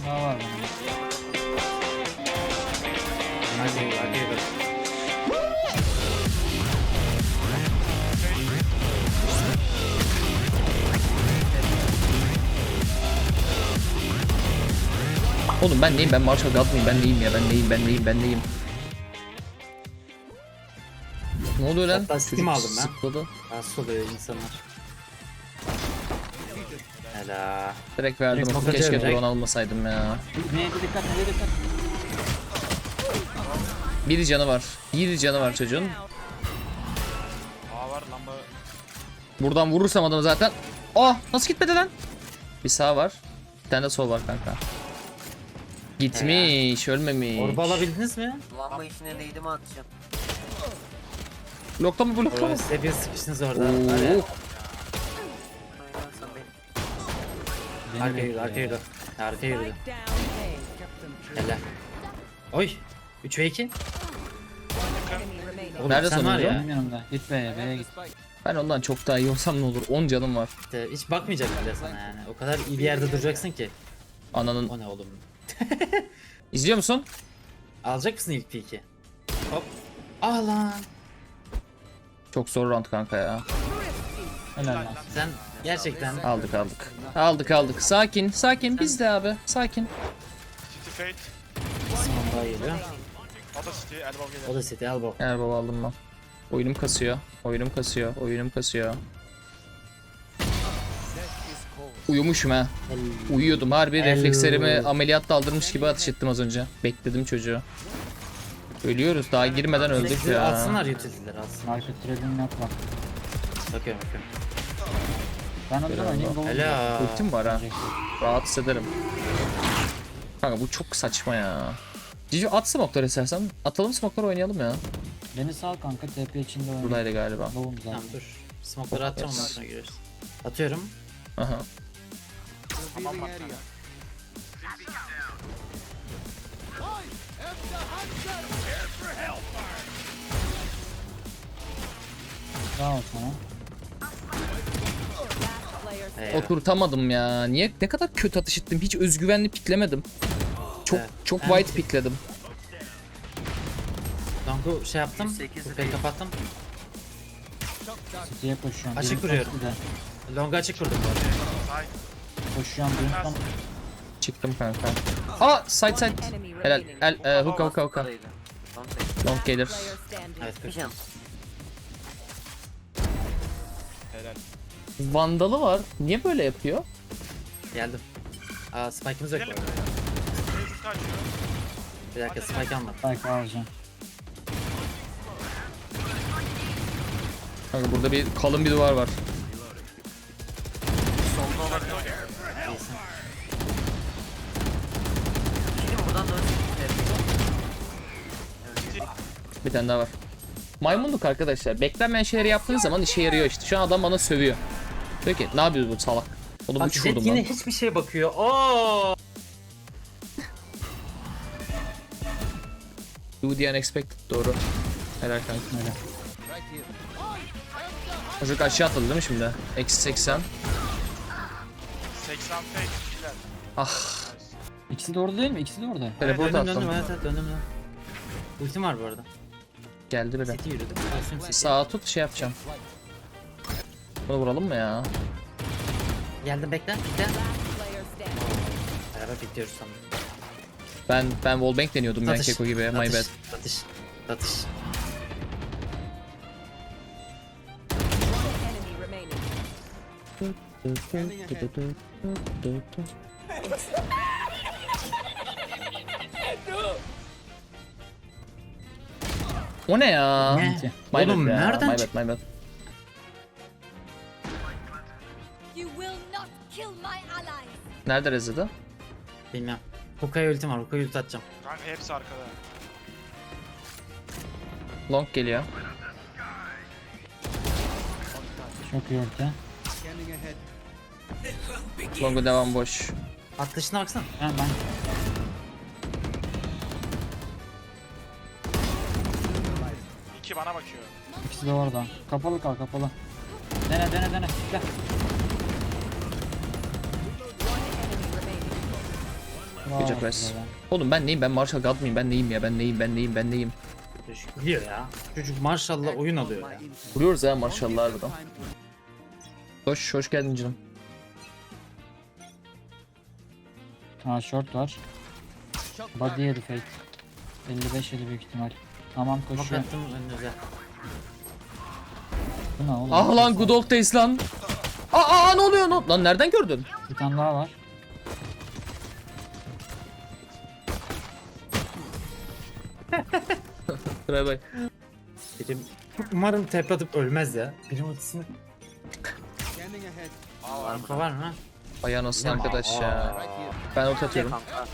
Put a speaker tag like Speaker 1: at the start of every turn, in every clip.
Speaker 1: daha var benim.
Speaker 2: Hadi bak.
Speaker 3: Oğlum ben neyim? Ben Marshall God mıyım? Ben neyim ya? Ben neyim? Ne oluyor lan?
Speaker 2: Hatta Steam aldım ben.
Speaker 3: Sıkladı.
Speaker 2: Rahatsız oluyor insanlar. Hela.
Speaker 3: Direkt verdim.
Speaker 2: Direkt bakacağım
Speaker 3: Keşke
Speaker 2: direkt.
Speaker 3: drone almasaydım ya.
Speaker 1: Neye dikkat, neye dikkat.
Speaker 3: Bir canı var çocuğun.
Speaker 4: Aa var lamba.
Speaker 3: Buradan vurursam adamı zaten. Oh, nasıl gitmedi lan? Bir sağ var. Bir tane de sol var kanka. Gitmiş, ölmemiş.
Speaker 2: Orba alabildiniz mi?
Speaker 5: Lamba işine neydi mi atacağım?
Speaker 3: Blokta mı?
Speaker 2: Oo, size bir sıkıştınız orada. Hadi.
Speaker 3: Oo.
Speaker 5: Oynarsan beni.
Speaker 2: Arkaya yürü. Arkaya yürü. Helal. Oy. 3 ve 2. Oğlum,
Speaker 3: Nerede
Speaker 2: sen var
Speaker 3: sonuncu?
Speaker 2: ya.
Speaker 1: Benim yanımda. Git B'ye git.
Speaker 3: Ben ondan çok daha iyi olsam ne olur? 10 canım var.
Speaker 2: İşte hiç bakmayacak bile sana yani. O kadar iyi bir yerde duracaksın ki.
Speaker 3: Ananın.
Speaker 2: O ne oğlum?
Speaker 3: İzliyor musun?
Speaker 2: Alacak mısın ilk P2? Hop. Ah lan.
Speaker 3: Çok zor round kanka ya.
Speaker 1: Helal lan.
Speaker 2: Sen gerçekten
Speaker 3: Aldık. Sakin. Biz de abi. Sakin.
Speaker 4: City Fate.
Speaker 2: Simon daha geliyor.
Speaker 4: O da City. Elbow gelir.
Speaker 2: O da City elbow.
Speaker 3: Eğer baba aldım ben. Oyunum kasıyor. Uyumuşum ha. Uyuyordum harbi,
Speaker 2: Hello.
Speaker 3: reflekslerimi ameliyatta aldırmış gibi ateş ettim az önce. Bekledim çocuğu. Ölüyoruz, daha girmeden öldük
Speaker 2: Sizi
Speaker 3: ya.
Speaker 2: atsınlar utility'leri atsınlar.
Speaker 1: Market trading yapma.
Speaker 2: Bakıyorum.
Speaker 1: Ben ondan oynayayım. Gold
Speaker 2: Helal.
Speaker 3: Ultim var ha. Rahat hissederim. Kanka bu çok saçma ya. Cici at smoke'ları istersen. Atalım smoke'ları oynayalım ya.
Speaker 1: Beni sal kanka, TP içinde oynayayım.
Speaker 3: Buradaydı galiba.
Speaker 1: Lovum zaten.
Speaker 2: Tamam dur. Smoke'ları atacağım ondan sonra görürüz. Atıyorum.
Speaker 3: Aha.
Speaker 4: Tamam bak.
Speaker 1: Sağ ol sana.
Speaker 2: Eyvah.
Speaker 3: Oturtamadım ya. Niye? Ne kadar kötü atış ettim. Hiç özgüvenli piklemedim. Çok
Speaker 2: Evet.
Speaker 3: çok
Speaker 2: Ben-
Speaker 3: white pikledim.
Speaker 2: Donku şey yaptım.
Speaker 5: 108
Speaker 2: Kupayı kapattım.
Speaker 1: City'ye koşuyorum.
Speaker 2: Açık
Speaker 1: Birinci
Speaker 2: vuruyorum.
Speaker 1: topu da.
Speaker 2: Longa açık vurdum bu arada.
Speaker 1: Koşuyorum. Birinci
Speaker 3: Çıktım kanka. Aa side. Helal. Hookah.
Speaker 5: Buradaydı. Long take.
Speaker 3: Long gelir.
Speaker 2: Evet
Speaker 5: Bir
Speaker 2: kır.
Speaker 5: can.
Speaker 4: Helal.
Speaker 3: Vandalı var. Niye böyle yapıyor?
Speaker 2: Geldim. Aa spike'ımız yok bu
Speaker 4: Gidelim.
Speaker 2: arada.
Speaker 4: Basic kaçıyor.
Speaker 2: Bir dakika spike almadım.
Speaker 1: Spike alacağım.
Speaker 3: Kanka burada bir kalın bir duvar var.
Speaker 5: Solda olabilir.
Speaker 2: İyisin.
Speaker 5: Şimdi buradan dönsün.
Speaker 3: Bir tane daha var. Maymunluk arkadaşlar. Beklenmeyen şeyleri yaptığınız zaman işe yarıyor işte. Şu an adam bana sövüyor. Diyor ki ne yapıyoruz bu salak? Oğlum
Speaker 2: Bak
Speaker 3: 3
Speaker 2: Jet
Speaker 3: vurdum
Speaker 2: yine
Speaker 3: lan.
Speaker 2: hiçbir şeye bakıyor. Oo.
Speaker 3: Do the unexpected doğru. Helal kanka.
Speaker 1: Öyle.
Speaker 3: Çocuk aşağı atladı değil mi şimdi? Eksi 80.
Speaker 4: 80 Fate. Killer.
Speaker 3: Ah.
Speaker 1: İkisi de orada değil mi? İkisi de orada.
Speaker 3: Teleport
Speaker 2: Döndüm
Speaker 3: attım.
Speaker 2: evet döndüm lan. Ultim var bu arada.
Speaker 3: Geldi biri.
Speaker 2: City yürüdüm. Ultim City.
Speaker 3: Sağa tut şey yapacağım. Bunu vuralım mı ya?
Speaker 2: Geldim bekle. Beraber bekliyoruz sanırım.
Speaker 3: Ben wallbang deniyordum ya Keko gibi. My bad.
Speaker 2: Tatış.
Speaker 3: O ne ya?
Speaker 2: Ne?
Speaker 1: Neyse.
Speaker 3: My bad
Speaker 2: Oğlum
Speaker 3: ya,
Speaker 2: nereden
Speaker 3: my
Speaker 2: çıktı?
Speaker 3: bad.
Speaker 6: You will not kill my allies.
Speaker 3: Nerede rezidi?
Speaker 2: Bilmem. Hookah'ya ultim var. Hookah'ya ulti atacağım.
Speaker 4: Kanka hepsi arkada.
Speaker 3: Long geliyor.
Speaker 1: Çok iyi orta.
Speaker 3: Long'u devam boş.
Speaker 2: Atlayışına baksana.
Speaker 1: Ben
Speaker 4: İki bana bakıyor.
Speaker 1: ikisi de orada. Kapalı kal, kapalı. Dene. Gel.
Speaker 3: Gece press. Oğlum ben neyim? Ben Marshall God mıyım? Ben neyim ya? Ben neyim?
Speaker 2: Çocuk biliyor ya. Çocuk maşallah oyun alıyor ya.
Speaker 3: Vuruyoruz ya Marshall'lar buradan. Hoş geldin canım.
Speaker 1: Ha short var. Body yedi fake. 55 yedi büyük ihtimal. Tamam
Speaker 2: Bak
Speaker 1: koşuyor.
Speaker 2: attım önünüze.
Speaker 1: Bu ne oğlum?
Speaker 3: Ah lan good old days lan. Aa ne oluyor lan nereden gördün?
Speaker 1: Bir tane daha var.
Speaker 3: Buraya bak.
Speaker 2: Birim umarım tep atıp ölmez ya. Birim atısını. Arka var mı?
Speaker 3: Ay anasını arkadaş ya. Ben ult atıyorum.
Speaker 5: Kanka.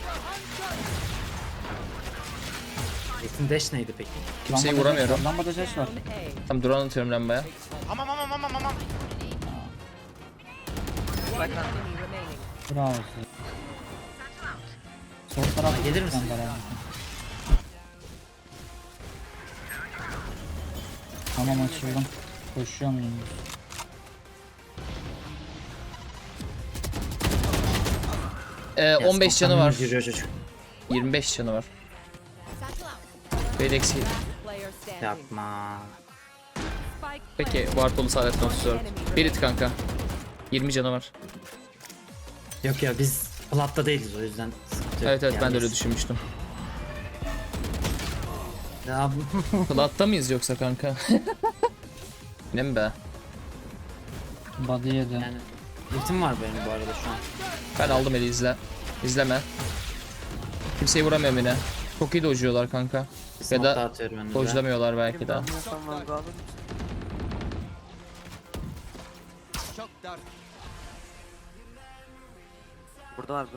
Speaker 2: Jet'in dash neydi peki?
Speaker 3: Kimseyi
Speaker 1: Lambada
Speaker 3: vuramıyorum.
Speaker 1: ses var, Lambada ses var.
Speaker 3: Tam drone atıyorum lambaya.
Speaker 4: Aman.
Speaker 1: Bravo size. Sol taraf
Speaker 2: Gelir misin?
Speaker 1: Tamam açıldım. Koşuyor muyum?
Speaker 3: 15 canı var.
Speaker 2: Giriyor çocuk.
Speaker 3: 25 canı var. Bedex
Speaker 2: Yapma.
Speaker 3: Peki Warpol'u saadetle 34. Berit kanka. 20 canı var.
Speaker 2: Yok ya biz platta değiliz o yüzden. sıkıntı yok.
Speaker 3: Evet ben de öyle
Speaker 2: biz-
Speaker 3: düşünmüştüm.
Speaker 2: Ya
Speaker 3: Plat'ta mıyız yoksa kanka? Ne mi be?
Speaker 1: Body yedi.
Speaker 2: yani ultim var benim bu arada şu an.
Speaker 3: Ben aldım eli izle. İzleme. Kimseyi vuramıyorum yine. Çok iyi dojluyorlar kanka. Ya da
Speaker 2: Smoke'da atıyorum önünüze.
Speaker 3: dojlamıyorlar belki de.
Speaker 5: Anlıyorsam ben de alır mısın? Burada var.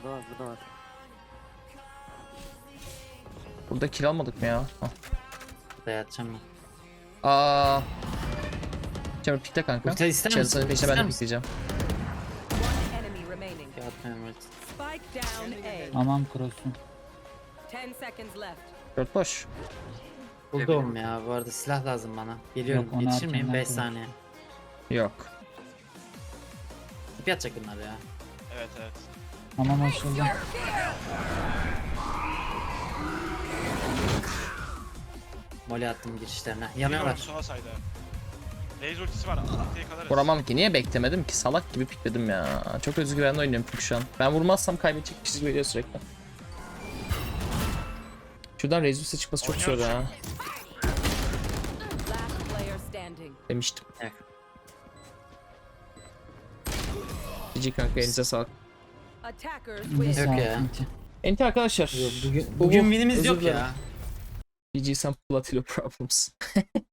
Speaker 3: Burada kill almadık mı ya? Hah.
Speaker 2: Burada yatacağım ben.
Speaker 3: Çabuk pikle kanka.
Speaker 2: Ulti ister misin?
Speaker 3: Çarısının peşine ben
Speaker 2: İster
Speaker 3: de
Speaker 2: misin?
Speaker 3: pikleyeceğim.
Speaker 7: Enemy remaining.
Speaker 2: Ya atmıyorum ulti.
Speaker 7: Spike down A.
Speaker 1: Aman cross'un.
Speaker 7: 10 seconds left.
Speaker 3: Dört boş.
Speaker 2: Buldum ya bu arada silah lazım bana. Geliyorum
Speaker 1: Yok, onu
Speaker 2: yetişir miyim?
Speaker 1: erkenden
Speaker 2: 5
Speaker 1: koy.
Speaker 2: saniye.
Speaker 3: Yok.
Speaker 2: Tip yatacak bunlar ya.
Speaker 4: Evet.
Speaker 1: Tamam açıldım.
Speaker 2: Mole attım girişlerine.
Speaker 4: Biliyorum
Speaker 2: Yanıyorlar.
Speaker 4: sola sayda. Raze ultisi var. Ultiyi kalırız.
Speaker 3: Vuramam ki. Niye beklemedim ki? Salak gibi pikledim ya. Çok özgüvenli oynuyorum çünkü şu an. Ben vurmazsam kaybedecek bir çizgi veriyor sürekli. Şuradan Rezus'e çıkması çok zor ya.
Speaker 7: Last player standing.
Speaker 3: Demiştim.
Speaker 2: Evet.
Speaker 3: GG kanka elinize sağlık.
Speaker 7: Attackers
Speaker 1: Bir
Speaker 7: win.
Speaker 1: saat
Speaker 2: ya.
Speaker 1: bitti.
Speaker 3: Enti arkadaşlar.
Speaker 2: Bugün winimiz
Speaker 3: Özür
Speaker 2: yok
Speaker 3: dilerim.
Speaker 2: ya.
Speaker 3: GG some Platilo problems.